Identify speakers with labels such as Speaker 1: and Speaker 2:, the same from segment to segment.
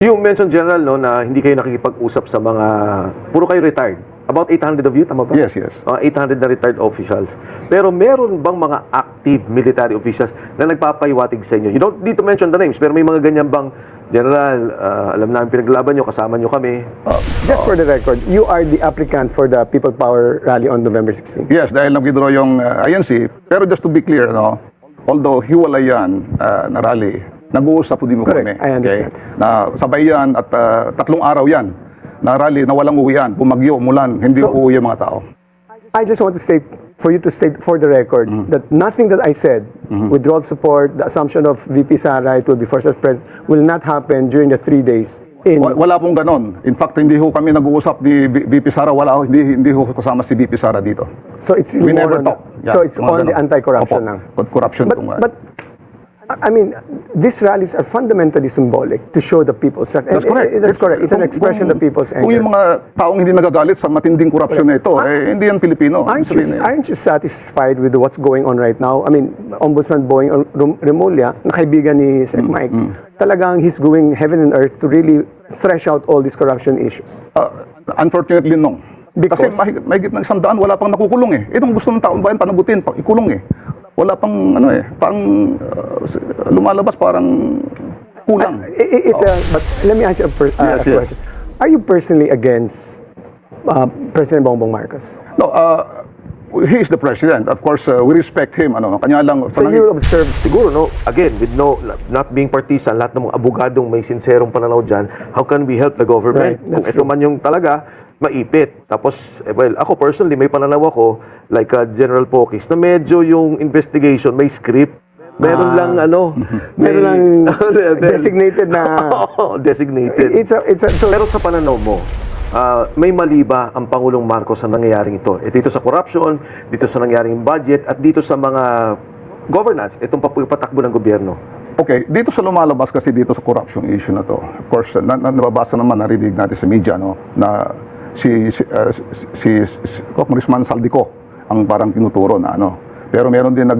Speaker 1: You mentioned, General, no, na hindi kayo nakikipag-usap sa mga, puro kayo retired. About 800 of you, tama ba?
Speaker 2: Yes, yes.
Speaker 1: 800 na retired officials. Pero meron bang mga active military officials na nagpapahiwatig sa inyo? You don't need to mention the names, pero may mga ganyan bang, General, alam namin pinaglaban nyo, kasama nyo kami.
Speaker 3: Just for the record, you are the applicant for the People Power Rally on November 16.
Speaker 2: Yes, dahil nag-withdraw yung INC. Pero just to be clear, no, although hiwalay yan na rally, nag-uusap po din mo
Speaker 3: Correct,
Speaker 2: kami.
Speaker 3: I understand.
Speaker 2: Na sabay yan at 3 araw yan na rally na walang uwian, bumagyo, umulan, hindi uuwi yung mga tao.
Speaker 3: I just want to state, for you to state for the record, that nothing that I said, withdrawal support, the assumption of VP Sara, it will be first as president, will not happen during the 3 days.
Speaker 2: Wala pong ganon. In fact, hindi ho kami nag-uusap ni VP Sara, hindi ho kasama si VP Sara dito.
Speaker 3: So it's really
Speaker 2: We never
Speaker 3: more on
Speaker 2: talk. Yeah,
Speaker 3: so it's
Speaker 2: mga
Speaker 3: on the
Speaker 2: ganon.
Speaker 3: anti-corruption
Speaker 2: Opo,
Speaker 3: lang.
Speaker 2: corruption.
Speaker 3: But I mean, these rallies are fundamentally symbolic to show the people's.
Speaker 2: That's correct.
Speaker 3: That's correct. It's an expression of the people's
Speaker 2: Kung yung
Speaker 3: anger.
Speaker 2: mga taong hindi nagagalit sa matinding korupsyon na ito, hindi yan Pilipino.
Speaker 3: Aren't you satisfied with what's going on right now? I mean, Ombudsman Boying Remulla, na kaibigan ni Sec Mike, talagang he's going heaven and earth to really thresh out all these corruption issues.
Speaker 2: Unfortunately, no.
Speaker 3: Because?
Speaker 2: Kasi mahigit ng 100, wala pang nakukulong eh. Itong gusto ng taong bayan, panagutin, ikulong eh. Wala pang, lumalabas parang kulang.
Speaker 3: But let me ask you a question. Are you personally against President Bongbong Marcos?
Speaker 2: No, he is the president. Of course, we respect him. Kanya lang,
Speaker 3: So you will observe.
Speaker 1: Siguro, no, again, with not being partisan, lahat ng mga abogadong may sinserong pananaw dyan, how can we help the government?
Speaker 3: Right,
Speaker 1: Kung
Speaker 3: that's
Speaker 1: ito man yung talaga, maipit. Tapos, well, ako personally, may pananaw ako, like General Pokis, na medyo yung investigation, may script. Meron lang,
Speaker 3: Meron lang designated na.
Speaker 1: Designated. Pero sa pananaw mo, may mali ba ang Pangulong Marcos sa nangyayaring ito? Dito sa corruption, dito sa nangyayaring budget, at dito sa mga governance, itong patakbo ng gobyerno?
Speaker 2: Okay, dito sa lumalabas kasi dito sa corruption issue na to. Of course, nababasa naman, narinig natin sa media, no, na si Congressman Saldico ang parang tinuturo na Pero meron din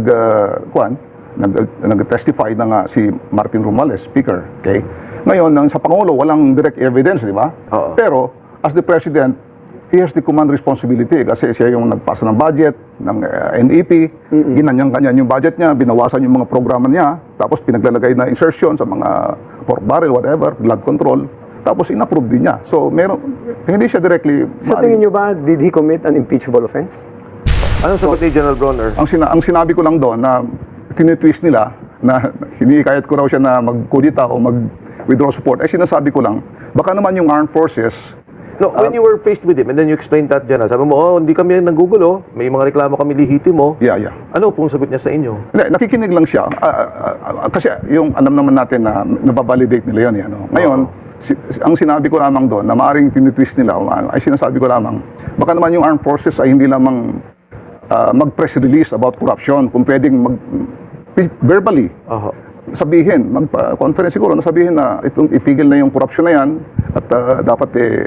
Speaker 2: nag-testify na nga si Martin Romualdez, speaker, okay? Ngayon, sa Pangulo, walang direct evidence, di ba? Pero, as the President, he has the command responsibility kasi siya yung nagpasa ng budget, ng NEP, ginanyang-ganyan yung budget niya, binawasan yung mga programa niya, tapos pinaglalagay na insertion sa mga pork barrel, whatever, blood control, tapos inapprove din niya. So, hindi siya directly...
Speaker 3: Sa tingin niyo ba, did he commit an impeachable offense?
Speaker 1: Anong sagot ni General Bronner?
Speaker 2: Ang sinabi ko lang doon na tinitwist nila na hinikayat ko raw siya na mag-kudita o mag-withdraw support. Sinasabi ko lang, baka naman yung armed forces.
Speaker 1: No, when you were faced with him and then you explained that, General, sabi mo, hindi kami nanggugulo, may mga reklamo kami lihitimo.
Speaker 2: Yeah.
Speaker 1: Ano pong sagot niya sa inyo?
Speaker 2: Hindi, nakikinig lang siya. Kasi yung alam naman natin na nababalidate nila yun. Ngayon, ang sinabi ko lamang doon na maaaring tinitwist nila, ay sinasabi ko lamang, baka naman yung armed forces ay hindi lamang mag-press release about corruption, kung pwedeng verbally sabihin, mag-conference siguro, sabihin na ipigil na yung corruption na yan at dapat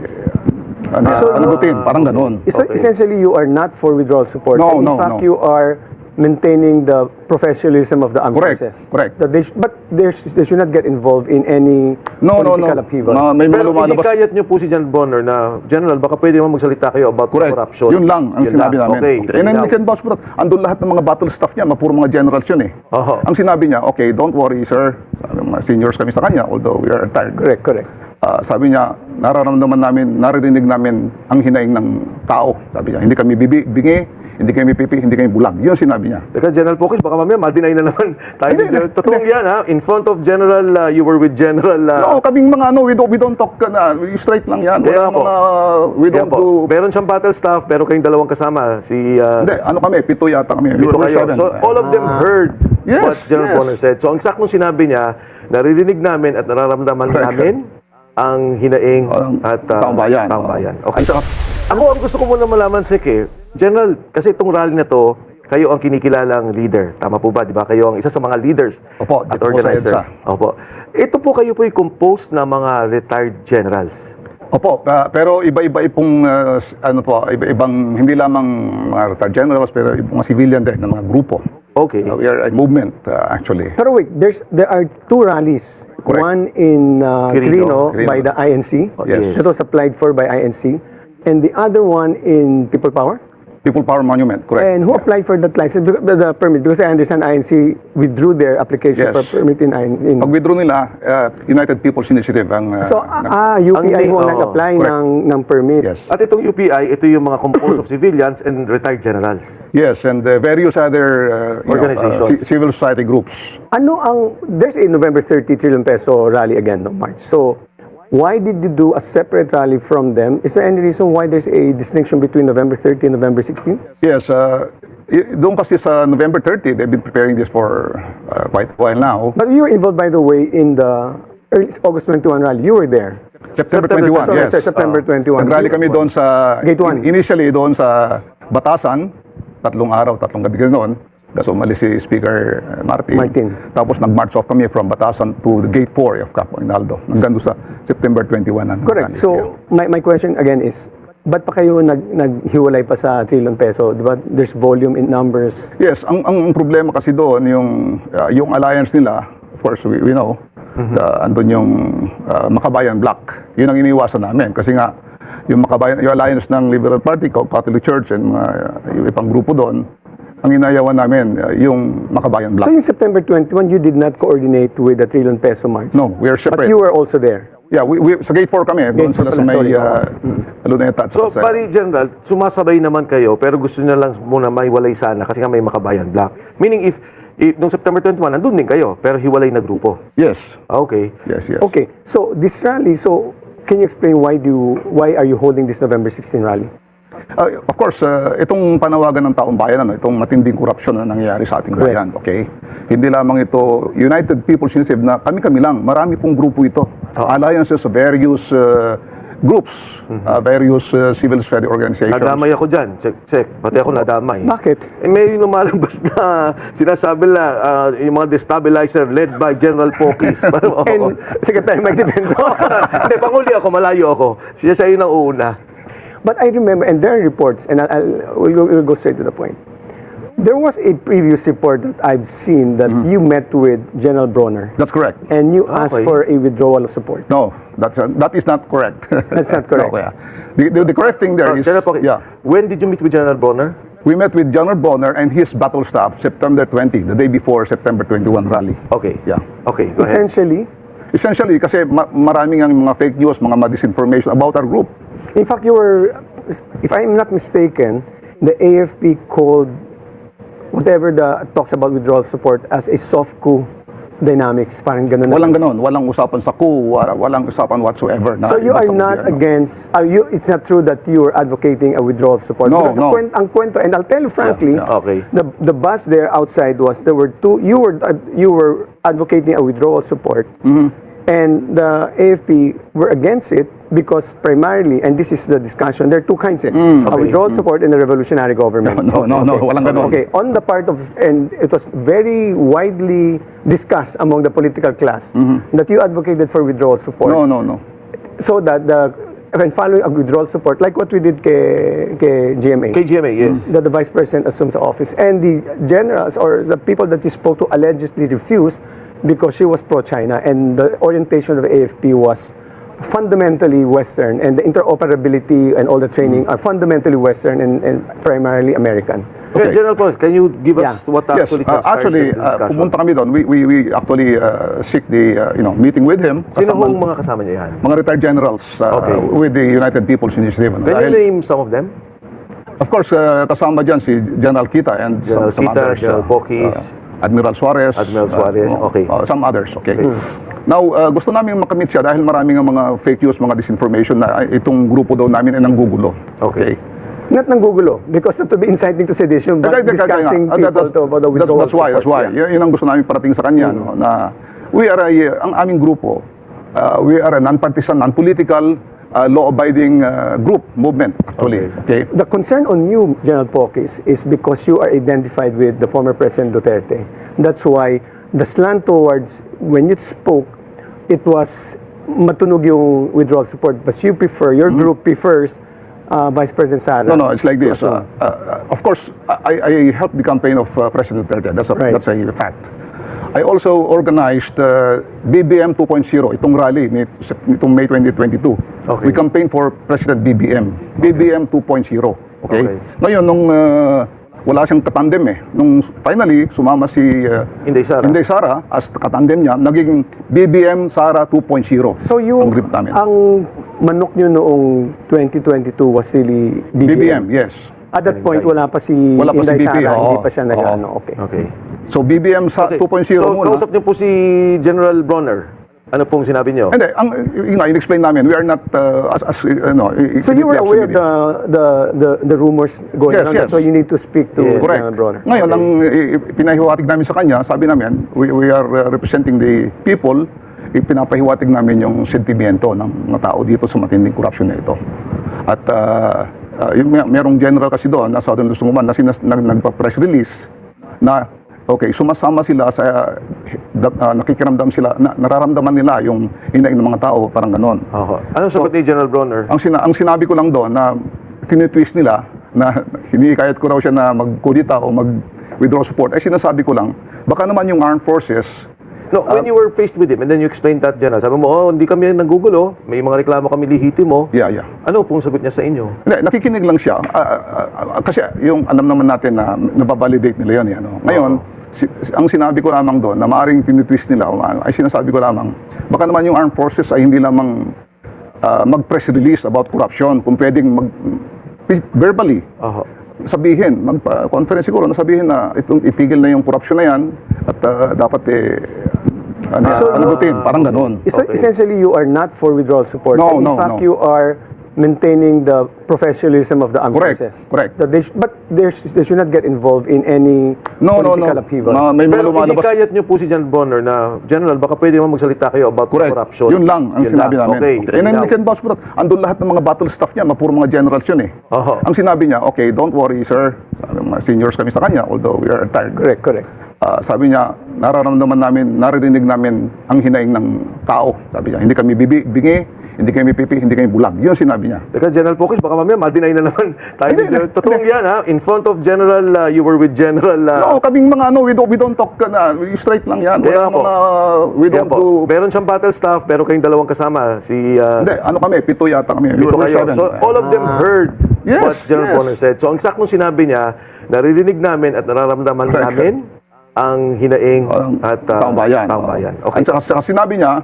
Speaker 2: panagutin, parang ganun.
Speaker 3: Essentially, you are not for withdrawal support.
Speaker 2: No,
Speaker 3: In fact, you are maintaining the professionalism of the armed forces.
Speaker 2: Correct.
Speaker 3: That they should not get involved in any political upheaval.
Speaker 2: May mga
Speaker 1: Pero
Speaker 2: lumalabas.
Speaker 1: inikayat niyo po si General Bronner na, General, baka pwede naman magsalita kayo about corruption.
Speaker 2: Yun lang ang sinabi namin.
Speaker 1: Okay.
Speaker 2: And then we can vouch for that. Andun lahat ng mga battle staff niya, puro mga generals yun eh. Ang sinabi niya, okay, don't worry sir, mga seniors kami sa kanya, although we are retired.
Speaker 3: Correct.
Speaker 2: Sabi niya, naririnig namin ang hinaing ng tao. Sabi niya, hindi kami bingi, hindi kami pipi, hindi kami bulag. Yun sinabi niya.
Speaker 1: Teka, General Pokis, baka mamaya ma-deny na naman tayo. Totoo yan, ha? In front of General, you were with General...
Speaker 2: No, kaming mga we don't talk straight lang yan. We don't do...
Speaker 1: Meron siyang battle staff, pero kayong dalawang kasama.
Speaker 2: Hindi, kami, 7 yata kami.
Speaker 1: Pito kayo. So, all of them heard what General Bronner said. So, ang saktong sinabi niya, naririnig namin at nararamdaman namin ang hinaing at
Speaker 2: taong bayan.
Speaker 1: Okay. So, ako, ang gusto ko muna malaman, Sek, General, kasi itong rally na to, kayo ang kinikilalang leader. Tama po ba? Di ba? Kayo ang isa sa mga leaders at organizer. Opo. Ito po kayo po composed na mga retired generals.
Speaker 2: Opo, pero iba-iba pong iba-ibang hindi lamang mga retired generals pero mga civilian din ng mga grupo.
Speaker 1: Okay.
Speaker 2: We are a movement actually.
Speaker 3: Pero wait, there are 2 rallies
Speaker 2: Correct.
Speaker 3: One in
Speaker 1: Quirino.
Speaker 3: Quirino by the INC.
Speaker 2: Yes.
Speaker 3: That was applied for by INC. And the other one in People Power.
Speaker 2: People Power Monument, correct.
Speaker 3: And who applied for that license, the permit? Because I understand INC withdrew their application
Speaker 2: Yes.
Speaker 3: for permit in
Speaker 2: Pag withdraw nila, United People's Initiative ang...
Speaker 3: So, UPI ho
Speaker 1: Oo,
Speaker 3: nag-apply
Speaker 2: correct.
Speaker 3: ng permit.
Speaker 2: Yes.
Speaker 1: At itong UPI, ito yung mga composed of civilians and retired generals.
Speaker 2: Yes, and various other
Speaker 1: Organizations.
Speaker 2: civil society groups.
Speaker 3: There's a November 30 trillion peso rally again, no, March. So, why did you do a separate rally from them? Is there any reason why there's a distinction between November 30 and November 16?
Speaker 2: Yes, doon kasi sa November 30, they've been preparing this for quite a while now.
Speaker 3: But you were involved, by the way, in the early August 21 rally. You were there.
Speaker 2: September
Speaker 3: Sorry,
Speaker 2: 21, yes.
Speaker 3: September 21.
Speaker 2: Nag-rally kami doon sa...
Speaker 3: Gate 1.
Speaker 2: Initially doon sa Batasan, 3 araw, 3 gabi noon. Kasi umalis si Speaker Martin. Tapos nag-march off kami from Batasan to the Gate 4 of Capo Aguinaldo. Hanggang doon sa September 21.
Speaker 3: Correct. So, my question again is, ba't pa kayo naghiwalay pa sa trillion peso? Diba? There's volume in numbers.
Speaker 2: Yes, ang problema kasi doon, yung alliance nila, of course, we know, andun yung Makabayan Bloc. Yun ang iniwasan namin. Kasi nga, yung alliance ng Liberal Party, Catholic Church, and yung ibang grupo doon, ang inayawan namin, yung Makabayan Bloc.
Speaker 3: So, yung September 21, you did not coordinate with the trillion peso march?
Speaker 2: No, we are separate.
Speaker 3: But you were also there?
Speaker 2: Yeah, we sa Gate 4 kami. Doon
Speaker 3: Gate 4
Speaker 2: sila sa
Speaker 3: pala,
Speaker 2: may
Speaker 3: sorry.
Speaker 2: Luneta.
Speaker 1: So, pari General, sumasabay naman kayo, pero gusto niya lang muna maiwalay sana kasi nga may Makabayan Bloc. Meaning, if nung September 21, nandun din kayo, pero hiwalay na grupo.
Speaker 2: Yes.
Speaker 1: Okay.
Speaker 2: Yes.
Speaker 3: Okay, so this rally, can you explain why are you holding this November 16 rally?
Speaker 2: Of course, itong panawagan ng taong bayan, itong matinding korupsyon na nangyayari sa ating bayan, okay? Hindi lamang ito United People's Initiative na kami lang, marami pong grupo ito. Alliances of various groups, various civil society organizations.
Speaker 1: Nadamay ako dyan. Check. Pati ako nadamay.
Speaker 3: Bakit?
Speaker 1: May lumalabas na sinasabi na yung mga destabilizer led by General Pokis.
Speaker 3: And Secretary Mike Dipendo.
Speaker 1: Hindi, panguli ako, malayo ako. Siya yung nauuna.
Speaker 3: But I remember, and there are reports, and we'll go straight to the point. There was a previous report that I've seen that you met with General Bronner.
Speaker 2: That's correct.
Speaker 3: And you asked for a withdrawal of support.
Speaker 2: No, that is not correct.
Speaker 3: That's not correct.
Speaker 2: No, yeah. The correct thing there is...
Speaker 1: General Pokis,
Speaker 2: yeah.
Speaker 1: when did you meet with General Bronner?
Speaker 2: We met with General Bonner and his battle staff September 20, the day before September 21 rally.
Speaker 1: Okay.
Speaker 2: Yeah.
Speaker 1: Okay, go ahead.
Speaker 2: Essentially, kasi maraming ang mga fake news, mga disinformation about our group.
Speaker 3: In fact, if I'm not mistaken, the AFP called whatever the talks about withdrawal support as a soft coup dynamics. Parang ganun.
Speaker 2: Walang ganon. Walang usapan sa coup, walang usapan whatsoever.
Speaker 3: So you are not against, it's not true that you are advocating a withdrawal support?
Speaker 2: No,
Speaker 3: because
Speaker 2: no.
Speaker 3: Ang kwento, and I'll tell you frankly,
Speaker 1: Okay.
Speaker 3: the bus there outside there were two, you were advocating a withdrawal support, and the AFP were against it because primarily, and this is the discussion, there are two kinds, a withdrawal support and a revolutionary government.
Speaker 2: No, walang ganon.
Speaker 3: Okay, on the part of, and it was very widely discussed among the political class that you advocated for withdrawal support.
Speaker 2: No.
Speaker 3: So that when following a withdrawal support, like what we did kay GMA.
Speaker 1: KGMA, yes.
Speaker 3: That the vice president assumes the office, and the generals or the people that you spoke to allegedly refused because she was pro-China, and the orientation of the AFP was fundamentally Western, and the interoperability and all the training are fundamentally Western and primarily American.
Speaker 1: Okay. General Pokis, can you give us what
Speaker 2: Yes,
Speaker 1: actually
Speaker 2: actually, pumunta kami doon. We actually seek the meeting with him.
Speaker 1: Sino hong mga kasama niya yan?
Speaker 2: Mga retired generals with the United People's Initiative.
Speaker 1: Can you name some of them?
Speaker 2: Of course, kasama dyan si General Kita and
Speaker 1: General
Speaker 2: some
Speaker 1: Kita,
Speaker 2: others.
Speaker 1: General Pokis.
Speaker 2: Admiral Suarez.
Speaker 1: Okay.
Speaker 2: Some others, okay. Now, gusto namin makamit siya dahil maraming mga fake news, mga disinformation na itong grupo daw namin ay nanggugulo. Okay.
Speaker 3: Not nanggugulo, because not to be inciting to sedition, but discussing people about the withdrawal support.
Speaker 2: That's why. Yun ang gusto namin parating sa kanya, no, na we are ang aming grupo, we are a non-partisan, non-political, law-abiding group, movement, actually. Okay.
Speaker 3: The concern on you, General Pokis, is because you are identified with the former President Duterte. That's why the slant towards, when you spoke, it was matunog yung withdrawal support, but you prefer, your group prefers Vice President Sara.
Speaker 2: No, it's like this. Of course, I helped the campaign of President Duterte. That's a fact. I also organized BBM 2.0, itong rally nitong May 2022.
Speaker 1: Okay.
Speaker 2: We campaigned for President BBM. BBM 2.0. Okay?
Speaker 1: Okay.
Speaker 2: Ngayon, nung wala siyang katandem nung finally, sumama si
Speaker 1: Inday Sara.
Speaker 2: as katandem niya, naging BBM Sara 2.0.
Speaker 3: So
Speaker 2: ang group namin.
Speaker 3: ang manok nyo noong 2022 was really
Speaker 2: BBM, yes.
Speaker 3: At that point, wala pa si
Speaker 2: Wala pa si
Speaker 3: Inday
Speaker 2: BP,
Speaker 3: Sara,
Speaker 2: oo.
Speaker 3: hindi pa siya
Speaker 2: Oo.
Speaker 3: nag-ano. Okay.
Speaker 1: Okay.
Speaker 2: So BBM sa
Speaker 1: Okay.
Speaker 2: 2.0
Speaker 1: So,
Speaker 2: muna.
Speaker 1: kausap niyo po si General Bronner. Ano pong sinabi niyo?
Speaker 2: Hindi, in-explain namin, we are not,
Speaker 3: So you were aware of the rumors going
Speaker 2: Yes,
Speaker 3: on,
Speaker 2: yes.
Speaker 3: so you need to speak to
Speaker 1: Yes.
Speaker 2: Correct.
Speaker 3: General Bronner.
Speaker 2: Ngayon, ang pinahiwatig namin sa kanya, sabi namin, we are representing the people, ipinapahiwatig namin yung sentimiento ng mga tao dito sa matinding corruption na ito. At merong general kasi doon, na Southern Luzon na nagpa-press release na okay, sumasama sila sa nakikiramdam sila, nararamdaman nila yung hinaing ng mga tao, parang ganon.
Speaker 1: Anong sagot ni General Bronner?
Speaker 2: Ang sinabi ko lang doon na tinitwist nila na hinikayat ko raw siya na mag-kudita o mag-withdraw support, ay sinasabi ko lang, baka naman yung armed forces.
Speaker 1: No, when you were faced with him and then you explained that, General, sabi mo, hindi kami nanggugulo, may mga reklamo kami lihitimo.
Speaker 2: Yeah.
Speaker 1: Ano pong sagot niya sa inyo?
Speaker 2: Hindi, nakikinig lang siya. Kasi yung alam naman natin na nababalidate nila yun. Ngayon, ang sinabi ko lamang doon na maaaring tinitwist nila, ay sinasabi ko lamang, baka naman yung armed forces ay hindi lamang mag-press release about corruption, kung pwedeng verbally sabihin, magpa-conference siguro na sabihin na ipigil na yung corruption na yan at dapat panagutin, parang ganon.
Speaker 3: Essentially, you are not for withdrawal support.
Speaker 2: No,
Speaker 3: In
Speaker 2: no,
Speaker 3: fact,
Speaker 2: no.
Speaker 3: you are maintaining the professionalism of the armed
Speaker 2: Correct,
Speaker 3: forces.
Speaker 2: correct.
Speaker 3: So they should not get involved in any political upheaval.
Speaker 2: May mga
Speaker 1: Pero
Speaker 2: lumalabas.
Speaker 1: inikayat niyo po si General Bronner na, General, baka pwede naman magsalita kayo about
Speaker 2: Correct.
Speaker 1: corruption.
Speaker 2: Yun lang ang sinabi namin.
Speaker 1: Okay.
Speaker 2: And then we can vouch for that. Andun lahat ng mga battle staff niya, puro mga generals yun Ang sinabi niya, okay, don't worry sir. Sabi, mga seniors kami sa kanya, although we are retired.
Speaker 3: Correct.
Speaker 2: Sabi niya, nararamdaman namin, naririnig namin ang hinaing ng tao. Sabi niya, hindi kami bingi, hindi kami pipi, hindi kami bulag. Yun sinsabi niya.
Speaker 1: Teka, General Pocus, baka mamaya ma-deny na naman tayo. Totoo yan, ha? In front of General, you were with General...
Speaker 2: No, kaming mga we don't talk straight lang yan.
Speaker 1: Kaya
Speaker 2: Wala
Speaker 1: po.
Speaker 2: we don't do...
Speaker 1: Meron siyang battle staff, pero kayong dalawang kasama.
Speaker 2: Hindi, kami, 7 yata kami.
Speaker 1: Pito
Speaker 2: We were
Speaker 1: kayo.
Speaker 2: 7.
Speaker 1: So, all of them heard
Speaker 2: Yes,
Speaker 1: what General
Speaker 2: yes.
Speaker 1: Bronner said. So, ang saktong sinabi niya, naririnig namin at nararamdaman
Speaker 2: Correct.
Speaker 1: namin ang hinaing at
Speaker 2: taong bayan.
Speaker 1: taong bayan. Okay.
Speaker 2: At saka sinabi niya,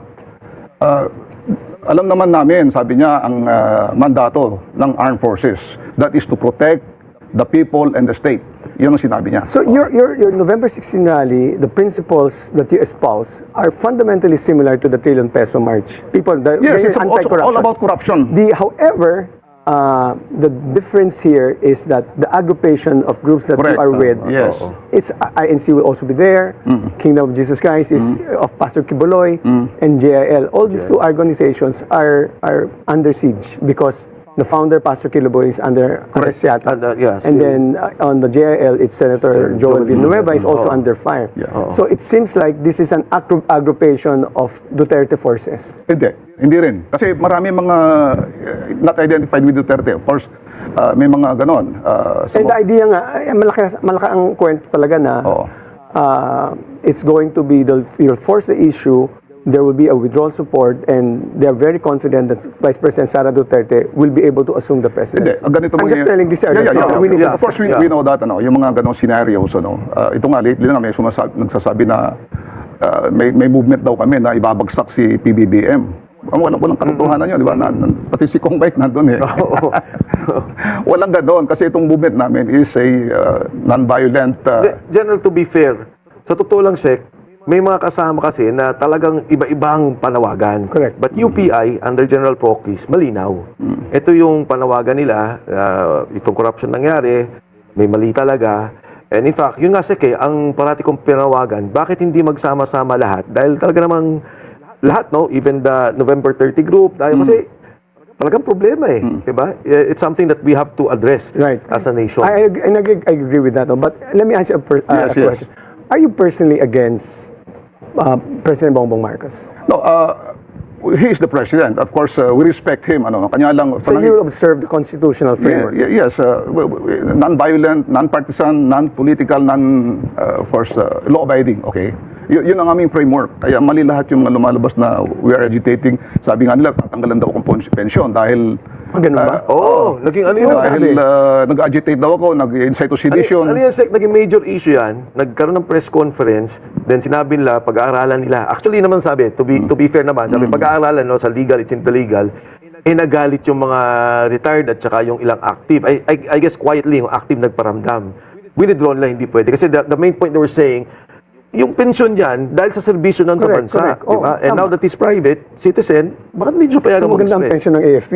Speaker 2: alam naman namin, sabi niya, ang mandato ng armed forces, that is to protect the people and the state. Yun ang sinabi niya.
Speaker 3: So your November 16 rally, the principles that you espouse are fundamentally similar to the Trillion Peso March. People,
Speaker 2: Yes,
Speaker 3: very
Speaker 2: it's also
Speaker 3: anti-corruption.
Speaker 2: all about corruption.
Speaker 3: However, the difference here is that the aggregation of groups that
Speaker 2: Correct.
Speaker 3: you are with,
Speaker 2: Yes.
Speaker 3: it's INC will also be there, Kingdom of Jesus Christ is of Pastor Kiboloy, and JIL. All these two organizations are under siege because the founder, Pastor Kiboloy, is under arrest yata.
Speaker 1: yes.
Speaker 3: And then on the JIL, it's Senator Joel Villanueva is also under fire.
Speaker 2: Yeah.
Speaker 3: So it seems like this is an aggregation of Duterte forces.
Speaker 2: Hindi rin. Kasi marami mga not identified with Duterte. Of course, may mga ganon.
Speaker 3: And the idea nga, malaki ang kwento talaga na
Speaker 2: Oo.
Speaker 3: it's going to be, you'll force the issue, there will be a withdrawal support, and they are very confident that Vice President Sara Duterte will be able to assume the presidency.
Speaker 2: Ganito
Speaker 3: I'm just telling this.
Speaker 2: Yeah.
Speaker 3: We need to
Speaker 2: Of course, we know that. Yung mga ganong scenarios. Ito nga, lately na may nagsasabi na may movement daw kami na ibabagsak si PBBM. Walang katotohanan yun, di ba? Pati si Kong Bike nandun Walang ganon kasi itong movement namin is a non-violent...
Speaker 1: General, to be fair, sa totoo lang, Sek, may mga kasama kasi na talagang iba-ibang panawagan.
Speaker 3: Correct.
Speaker 1: But UPI, under General Pocus, malinaw. Ito yung panawagan nila, itong corruption nangyari, may mali talaga. And in fact, yun nga, Sek, ang parati kong panawagan, bakit hindi magsama-sama lahat? Dahil talaga namang lahat, no? Even the November 30 group, dahil kasi talagang problema diba? It's something that we have to address as a nation.
Speaker 3: I agree with that. But let me ask you a question. Are you personally against President Bongbong Marcos?
Speaker 2: No, he is the president. Of course, we respect him. Kanya lang.
Speaker 3: So you will observe the constitutional framework.
Speaker 2: Yes, non-violent, non-partisan, non-political, of course, law-abiding. Okay. Yun ang aming framework. Kaya mali lahat yung mga lumalabas na we are agitating. Sabi nga nila, tatanggalan daw akong pensyon dahil
Speaker 3: Ganun ba?
Speaker 1: Naging ano yun?
Speaker 2: dahil nag-agitate daw ako, nag-incite to sedition.
Speaker 1: Ano yan, Sec? Naging major issue yan. Nagkaroon ng press conference, then sinabi nila, pag-aaralan nila. Actually naman sabi, to be fair naman, sabi, pag-aaralan sa legal, it's into legal, nagalit yung mga retired at saka yung ilang active. I guess quietly, yung active nagparamdam. Withdrawn lang, hindi pwede. Kasi the main point they were saying, yung pensyon yan, dahil sa serbisyo ng sa bansa.
Speaker 3: Correct.
Speaker 1: Diba? And now that he's private, citizen, bakit hindi siya payagan
Speaker 3: Magandang
Speaker 1: mag-express?
Speaker 3: pension ng AFP.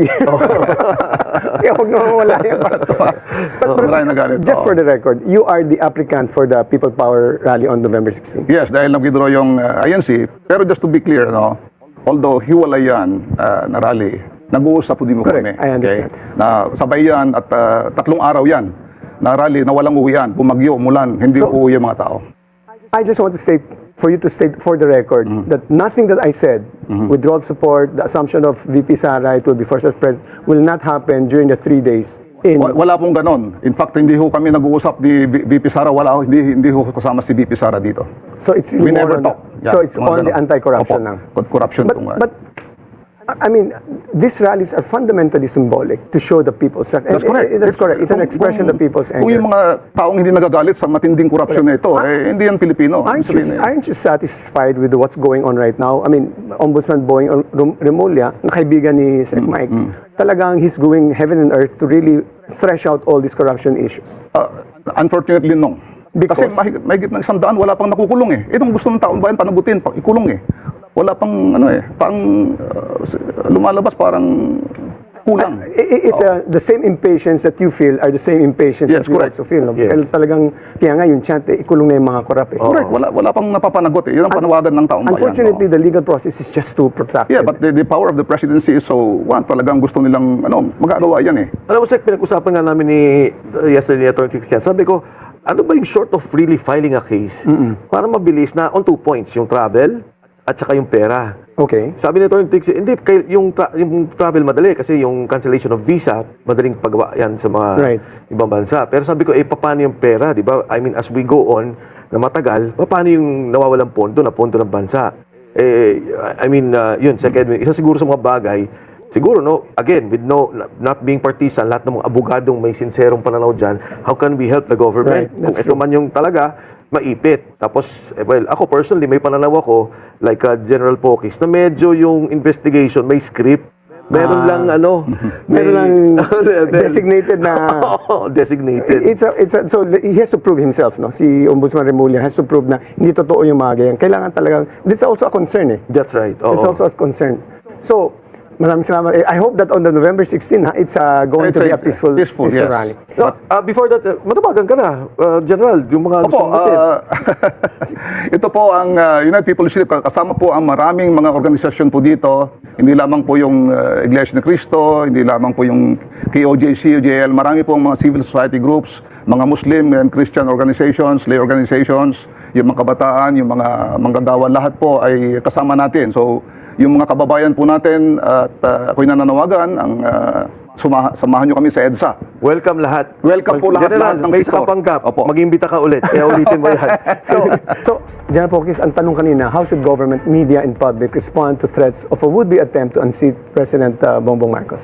Speaker 3: Kaya huwag na mawala yan.
Speaker 2: Maraming nagalit.
Speaker 3: Just for the record, you are the applicant for the People Power Rally on November 16.
Speaker 2: Yes, dahil nag-withdraw yung INC. Pero just to be clear, although hiwalay yan na rally, nag-uusap po din mo
Speaker 3: Correct,
Speaker 2: kami.
Speaker 3: I understand.
Speaker 2: Na sabay yan at 3 araw yan na rally na walang uwian, bumagyo, umulan, hindi uuwi yung mga tao.
Speaker 3: I just want to state, for you to state for the record, that nothing that I said, withdrawal support, the assumption of VP Sara, it will be first as president, will not happen during the 3 days.
Speaker 2: Wala pong ganon. In fact, hindi ho kami nag-uusap ni VP Sara, hindi ho kasama si VP Sara dito.
Speaker 3: So it's really
Speaker 2: We
Speaker 3: more
Speaker 2: never
Speaker 3: on
Speaker 2: talk.
Speaker 3: so it's on the anti-corruption now.
Speaker 2: Corruption.
Speaker 3: But I mean, these rallies are fundamentally symbolic to show the people's.
Speaker 2: That's correct.
Speaker 3: That's correct. It's an expression of the people's
Speaker 2: Kung yung
Speaker 3: anger.
Speaker 2: mga taong hindi nagagalit sa matinding korupsyon na ito, hindi yan Pilipino.
Speaker 3: Aren't you satisfied with what's going on right now? I mean, Ombudsman Boying Remulla, na kaibigan ni Sec Mike, talagang he's going heaven and earth to really thresh out all these corruption issues.
Speaker 2: Unfortunately, no.
Speaker 3: Because?
Speaker 2: Kasi mahigit ng 100 wala pang nakukulong eh. Itong gusto ng taon bayan panagutin, ikulong eh. Wala pang lumalabas parang kulang.
Speaker 3: It's the same impatience that you feel are the same impatience
Speaker 2: Yes,
Speaker 3: that we
Speaker 2: correct.
Speaker 3: also feel. No?
Speaker 1: Yes.
Speaker 3: Dahil talagang, kaya nga yung chant, ikulong na yung mga korap.
Speaker 2: Correct, wala pang napapanagot eh. Yun ang panawagan ng taong bayan.
Speaker 3: Unfortunately, the legal process is just too protracted.
Speaker 2: Yeah, but the power of the presidency is so, talagang gusto nilang, magagawa yan eh.
Speaker 1: Alam mo, Sec, pinag-usapan nga namin yesterday ni Atty. Christian. Sabi ko, ano ba yung short of really filing a case para mabilis na on 2 points, yung travel at saka yung pera.
Speaker 3: Okay.
Speaker 1: Sabi ni Atty. Christian, hindi, yung travel madali kasi yung cancellation of visa, madaling pagawa yan sa mga ibang bansa. Pero sabi ko, paano yung pera, di ba? I mean, as we go on na matagal, paano yung nawawalang pondo ng bansa? I mean, yun, second, isa siguro sa mga bagay, siguro, again, with not being partisan, lahat ng mga abogadong may sinserong pananaw dyan, how can we help the government? Kung ito man yung talaga, maipit. Tapos, ako personally, may pananaw ako, like General Pokis, na medyo yung investigation, may script, meron lang,
Speaker 3: meron lang designated na...
Speaker 1: designated.
Speaker 3: So, he has to prove himself, no? Si Ombudsman Remulla has to prove na hindi totoo yung mga ganyan. Kailangan talagang, this is also a concern eh.
Speaker 1: That's right.
Speaker 3: It's also a concern. So, maraming salamat. I hope that on the November 16, it's going to be a peaceful
Speaker 2: yes.
Speaker 3: rally.
Speaker 1: Before that, matabagan ka na, General, yung mga gusto mong
Speaker 2: ito po ang United People's Initiative. Kasama po ang maraming mga organisasyon po dito. Hindi lamang po yung Iglesia ni Cristo, hindi lamang po yung KOJC, UJL. Marami po ang mga civil society groups, mga Muslim and Christian organizations, lay organizations, yung mga kabataan, yung mga manggagawa, lahat po ay kasama natin. So, yung mga kababayan po natin at ako'y nananawagan ang samahan nyo kami sa EDSA.
Speaker 1: welcome lahat.
Speaker 2: Welcome po lahat ng
Speaker 1: may
Speaker 2: sector.
Speaker 1: panggap.
Speaker 2: Opo.
Speaker 1: Mag-imbita ka ulit. Kaya ulitin mo yan.
Speaker 3: So, General Pokis, ang tanong kanina, how should government, media, and public respond to threats of a would-be attempt to unseat President Bongbong Marcos?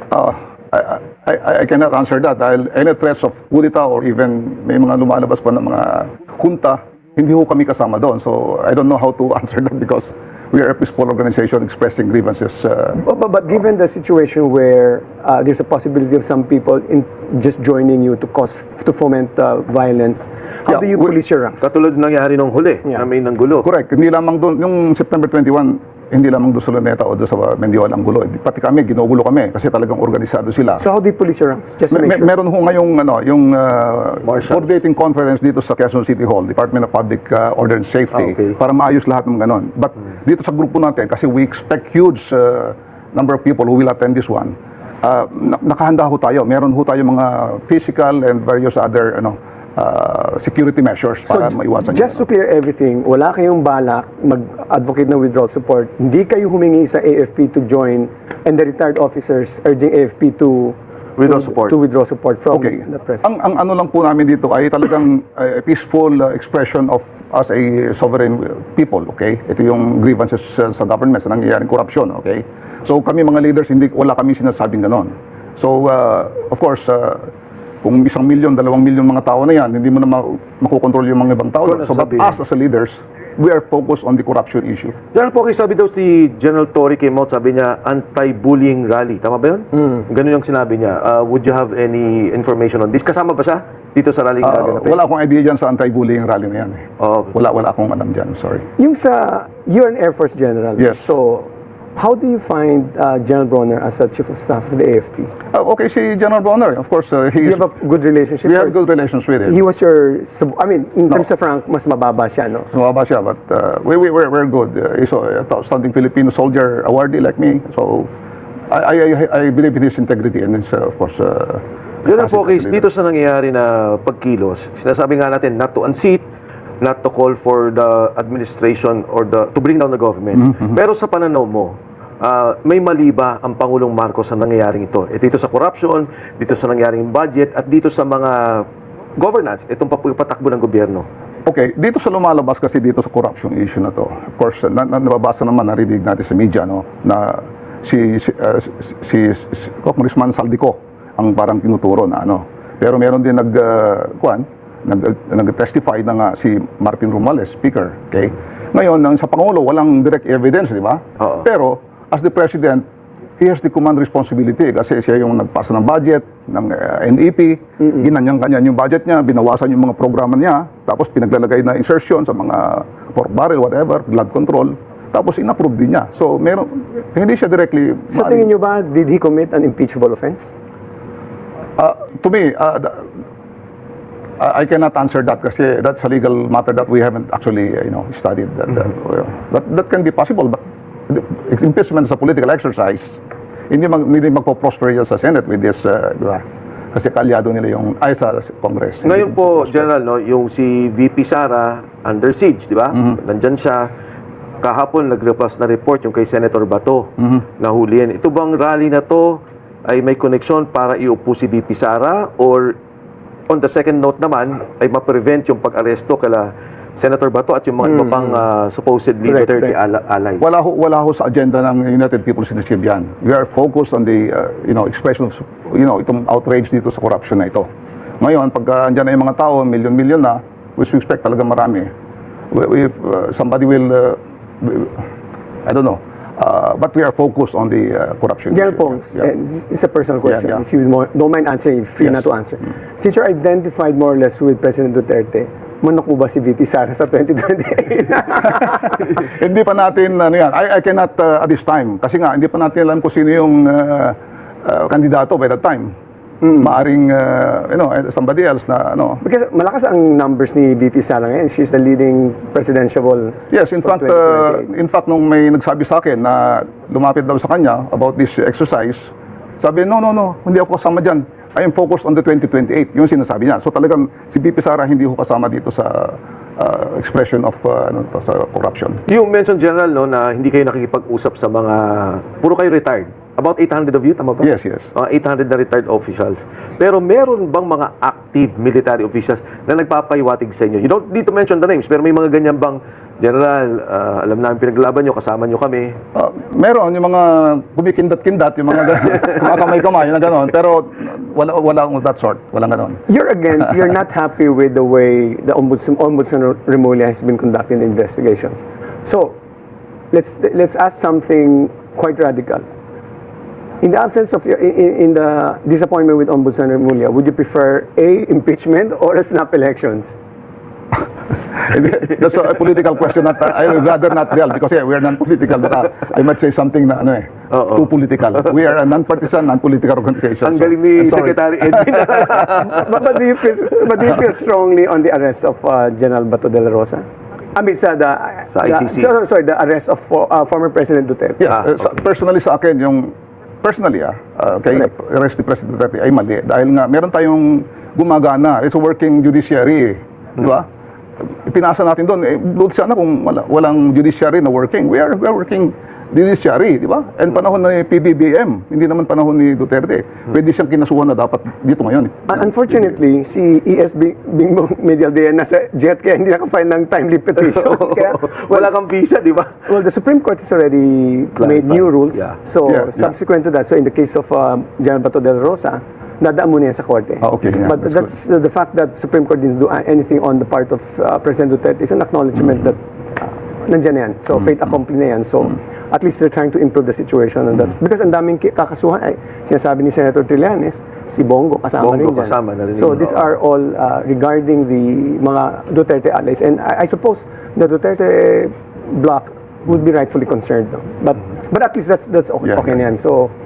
Speaker 2: I cannot answer that dahil any threats of kudita or even may mga lumalabas pa ng mga junta, hindi ho kami kasama doon. So, I don't know how to answer that because we are a peaceful organization expressing grievances.
Speaker 3: But given the situation where there's a possibility of some people just joining you to foment violence, how do you police your ranks?
Speaker 1: Katulad nangyari nung huli, na may nanggulo.
Speaker 2: Correct. Hindi lamang doon, yung September 21, hindi lamang doon sa Luneta o doon sa Mendiola ang gulo. Pati kami, ginugulo kami kasi talagang organisado sila.
Speaker 3: So how do you police your ranks? Just to make sure.
Speaker 2: Meron ho ngayong yung coordinating conference dito sa Quezon City Hall, Department of Public Order and Safety, para maayos lahat ng ganon. But dito sa grupo natin, kasi we expect huge number of people who will attend this one, nakahanda ho tayo. Meron ho tayo mga physical and various other security measures para maiwasan
Speaker 3: just to
Speaker 2: yun.
Speaker 3: clear everything, wala kayong balak mag-advocate ng withdrawal support. Hindi kayo humingi sa AFP to join and the retired officers urging AFP to
Speaker 1: Withdraw support.
Speaker 3: To withdraw support from
Speaker 2: Okay.
Speaker 3: the president.
Speaker 2: Ang ano lang po namin dito ay talagang peaceful expression of us a sovereign people, okay? Ito yung grievances sa government sa nangyayaring korupsyon, okay? So kami mga leaders, wala kami sinasabing ganon. So of course, kung 1 milyon, 2 milyon mga tao na yan, hindi mo na makokontrol yung mga ibang tao. So but us as leaders, we are focused on the corruption issue.
Speaker 1: General Pogi, sabi daw si General Tory came out, sabi niya, anti-bullying rally. Tama ba yun? Ganun yung sinabi niya. Would you have any information on this? Kasama ba siya dito sa rally?
Speaker 2: Wala akong idea dyan sa anti-bullying rally na yan.
Speaker 1: Oh.
Speaker 2: Wala akong alam dyan, sorry.
Speaker 3: Yung sa, you're an Air Force General.
Speaker 2: Yes.
Speaker 3: So, how do you find General Bronner as a Chief of Staff of the AFP?
Speaker 2: Okay, si General Bronner, of course,
Speaker 3: Do you have a good relationship?
Speaker 2: we have good relations with him.
Speaker 3: He was your, in terms of rank, mas mababa siya, no?
Speaker 2: Sumaba siya, but we're good. He's a outstanding Filipino soldier awardee like me. So I believe in his integrity and his, of course,
Speaker 1: General Pogi,
Speaker 2: capacity.
Speaker 1: dito sa nangyayari na pagkilos, sinasabi nga natin not to unseat, not to call for the administration or to bring down the government. Pero sa pananaw mo, may mali ba ang Pangulong Marcos sa nangyayaring ito? Dito sa corruption, dito sa nangyayaring budget, at dito sa mga governance, itong patakbo ng gobyerno.
Speaker 2: Okay, dito sa lumalabas kasi dito sa corruption issue na to. Of course, nababasa naman, narinig natin sa media, no, na si Congressman Saldico ang parang tinuturo na ano. Pero meron din nag-testify na nga si Martin Romales, Speaker, okay? Ngayon, sa Pangulo, walang direct evidence, di ba?
Speaker 1: Oo.
Speaker 2: Pero, as the President, he has the command responsibility kasi siya yung nagpasa ng budget, ng NEP, ginanyang-ganyan yung budget niya, binawasan yung mga programa niya, tapos pinaglalagay na insertion sa mga pork barrel, whatever, blood control, tapos inapprove din niya. So, hindi siya directly...
Speaker 3: Sa tingin niyo ba, did he commit an impeachable offense?
Speaker 2: To me, I cannot answer that kasi that's a legal matter that we haven't actually, studied. That can be possible, but impeachment is a political exercise. Hindi magpo-prosper yan sa Senate with this, di ba? Kasi kalyado nila sa Congress.
Speaker 1: Ngayon po, General, no, yung si VP Sara under siege, di ba? Nandyan siya. Kahapon nag-repass na report yung kay Senator Bato na huliin. Ito bang rally na to ay may koneksyon para iupo si VP Sara, or on the second note naman ay ma-prevent yung pag-aresto kala Senator Bato at yung mga iba pang supposedly
Speaker 3: Correct,
Speaker 1: Duterte
Speaker 3: correct.
Speaker 1: allies?
Speaker 2: Wala ho sa agenda ng United People's Initiative yan. We are focused on the, expression of, itong outrage dito sa corruption na ito. Ngayon, pag andyan na yung mga tao, milyon-milyon na, which we expect talaga marami, if somebody will, I don't know, but we are focused on the corruption.
Speaker 3: General Pong,
Speaker 2: Yeah.
Speaker 3: it's a personal question.
Speaker 2: Yeah.
Speaker 3: If you don't mind answering, free
Speaker 2: Yes.
Speaker 3: na to answer. Since you're identified more or less with President Duterte, manok mo ba si VP Sara sa 2028?
Speaker 2: Hindi pa natin, I cannot at this time, kasi nga, hindi pa natin alam kung sino yung kandidato by that time. Maaring, somebody else na,
Speaker 3: Because malakas ang numbers ni VP Sara ngayon. She's the leading presidential.
Speaker 2: Yes, in
Speaker 3: for
Speaker 2: fact,
Speaker 3: 2028.
Speaker 2: nung may nagsabi sa akin na lumapit daw sa kanya about this exercise, sabi, no, hindi ako kasama dyan. I am focused on the 2028, yung sinasabi niya. So talagang si VP Sara hindi ko kasama dito sa expression of sa corruption.
Speaker 1: You mentioned, General, no, na hindi kayo nakikipag-usap sa mga, puro kayo retired. About 800 of you, tama ba?
Speaker 2: Yes.
Speaker 1: 800 na retired officials. Pero meron bang mga active military officials na nagpapahiwatig sa inyo? You don't need to mention the names, pero may mga ganyan bang, General, alam namin pinaglaban nyo, kasama nyo kami.
Speaker 2: Meron yung mga kumikindat-kindat, yung mga mga kamay-kamay, yung gano'n. Pero wala of that sort. Walang gano'n.
Speaker 3: You're not happy with the way the Ombudsman Remulla has been conducting investigations. So, let's ask something quite radical. In the absence of in the disappointment with Ombudsman Remulla, would you prefer A, impeachment or a snap elections?
Speaker 2: That's a political question that I would rather not dwell because we are non-political. But I might say something na too political. We are a non-partisan, non-political organization.
Speaker 1: Ang galing ni
Speaker 2: I'm sorry.
Speaker 1: Secretary Edwin.
Speaker 3: but do you feel strongly on the arrest of General Bato de la Rosa? I mean,
Speaker 1: Sa ICC.
Speaker 3: the arrest of former President Duterte.
Speaker 2: Yeah, personally sa akin, kay arrest ni President Duterte ay mali. Dahil nga, meron tayong gumagana. It's a working judiciary. Di ba? Pinasa natin doon. Doon sana kung walang judiciary na working. We are working judiciary, di ba? And panahon na ni PBBM, hindi naman panahon ni Duterte. Pwede siyang kinasuhan na dapat dito ngayon.
Speaker 3: Unfortunately, si ES Bingbong Medialdea nasa jet kaya hindi naka-file ng timely petition. Kaya,
Speaker 1: Wala kang visa, di ba?
Speaker 3: well, the Supreme Court has already made new rules.
Speaker 1: Yeah.
Speaker 3: So,
Speaker 2: Yeah, yeah.
Speaker 3: subsequent to that, so in the case of General Bato de la Rosa, dadaan muna yan sa korte.
Speaker 2: Okay, yeah,
Speaker 3: But
Speaker 2: that's
Speaker 3: that's the fact that Supreme Court didn't do anything on the part of President Duterte is an acknowledgement that nandiyan na yan. So, fait accompli na yan. So, at least they're trying to improve the situation. And that's, because ang daming kakasuhan, ay, sinasabi ni Senator Trillanes, si Bongo kasama
Speaker 1: Bongo
Speaker 3: rin dyan.
Speaker 1: kasama na rin
Speaker 3: So,
Speaker 1: yun.
Speaker 3: these are all regarding the mga Duterte allies. And I suppose the Duterte bloc would be rightfully concerned. No? But at least that's okay,
Speaker 2: Yeah.
Speaker 3: okay na yan. So,